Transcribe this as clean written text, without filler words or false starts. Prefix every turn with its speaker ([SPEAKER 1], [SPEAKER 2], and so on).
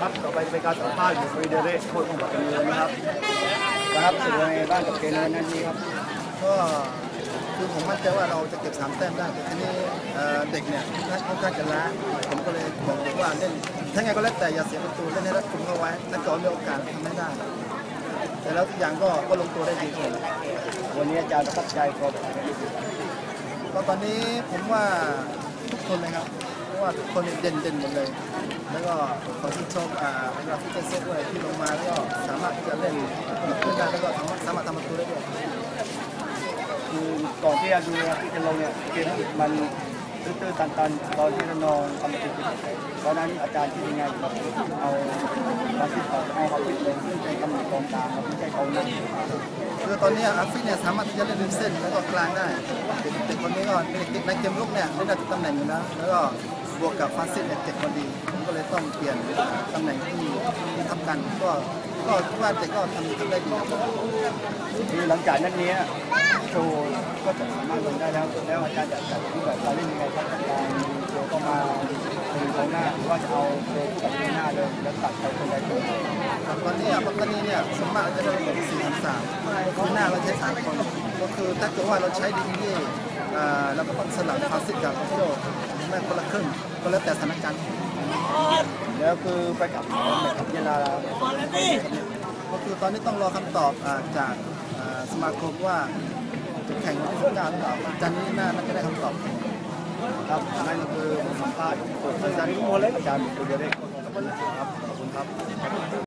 [SPEAKER 1] ครับต่อไปเป็นการสัมภาษณ์ของฟรีเดเรกโค้ชของปัตตานีนะครับสื่อในบ้านกับเกมในนั้นนี้ครับ
[SPEAKER 2] ก็คือผมมั่นใจว่าเราจะเก็บ3 แต้มได้แต่ทีนี้เด็กเนี่ยค่อนข้างจะล้าผมก็เลยบอกเด็กว่าเล่นถ้าไงก็แล้วแต่อย่าเสียประตูเล่นให้รัดกุมเข้าไว้ถ้าเกิดมีโอกาสทำไม่ได้แต่แล้วทุกอย่างก็ลงตัวได้ดีขึ้น
[SPEAKER 1] วันนี้อาจารย์ประทับใจครับ
[SPEAKER 2] ก็ตอนนี้ผมว่าทุกคนเลยครับเพราะว่าทุกคนเด่นหมดเลยแล้วก็ขอที่ชมเราที่เซตด้วยที่ลงมาแล้วก็สามารถที่จะเล่นกับเพื่อนได้แล้วก็สามารถทำประตูได้ด้วย
[SPEAKER 1] คือก่อนที่จะดูที่จะลงเนี่ยเกมมันตื้อๆตันๆตอนที่น้องทำประตูตอนนั้นอาจารย์ที่ยังไงครับเอาความคิดเอาความคิดลงซึ่งเป็นกำหนดกองกลางไม่ใช่กองหน้า
[SPEAKER 2] คือตอนนี้อาฟิเนี่ยสามารถที่จะเล่นริมเส้นแล้วก็กลางได้เด็กคนนี้ก็ในเกมลุกเนี่ยเล่นได้ทุกตำแหน่งอยู่นะแล้วก็บวกกับฟาสซิสเนี่ยเจ็บพอดีก็เลยต้องเปลี่ยนตำแหน่งที่ทับกันก็ว่าเด็กก็ทำได้ดี
[SPEAKER 1] คือหลังจากนั้นนี้โชว์ก็จะสามารถลงได้แล้วอาจารย์จะจัดที่แบบเราเล่นยังไงครับการโชว์ก็มาเป็นกองหน้าหรือว่าจะเอาโชว์กับกองหน้าเลยแล้วตัดไปคนใดคนหนึ่ง
[SPEAKER 2] ตอนนี้ปัตตานีเนี่ยสมมติจะได้เหมือน4-3คือหน้าเราใช้3 คนก็คือถ้าเกิดว่าเราใช้ดีที่เราก็ต้องสลับฟาสซิสกับโยไม่คนละครึ่งก็แล้วแต่สถานการณ์
[SPEAKER 1] แล้วคือไปกับเวลา
[SPEAKER 2] ก็คือตอนนี้ต้องรอคำตอบจากสมาคมว่าจะแข่งวันที่19หรือเปล่าจันนี้น่าจะได้คำตอบ
[SPEAKER 1] ครับนั่นก็คือสัมภาษณ์อาจารย์ทุกคนเลยอาจารย์คุยเด็กครับขอบคุณครับ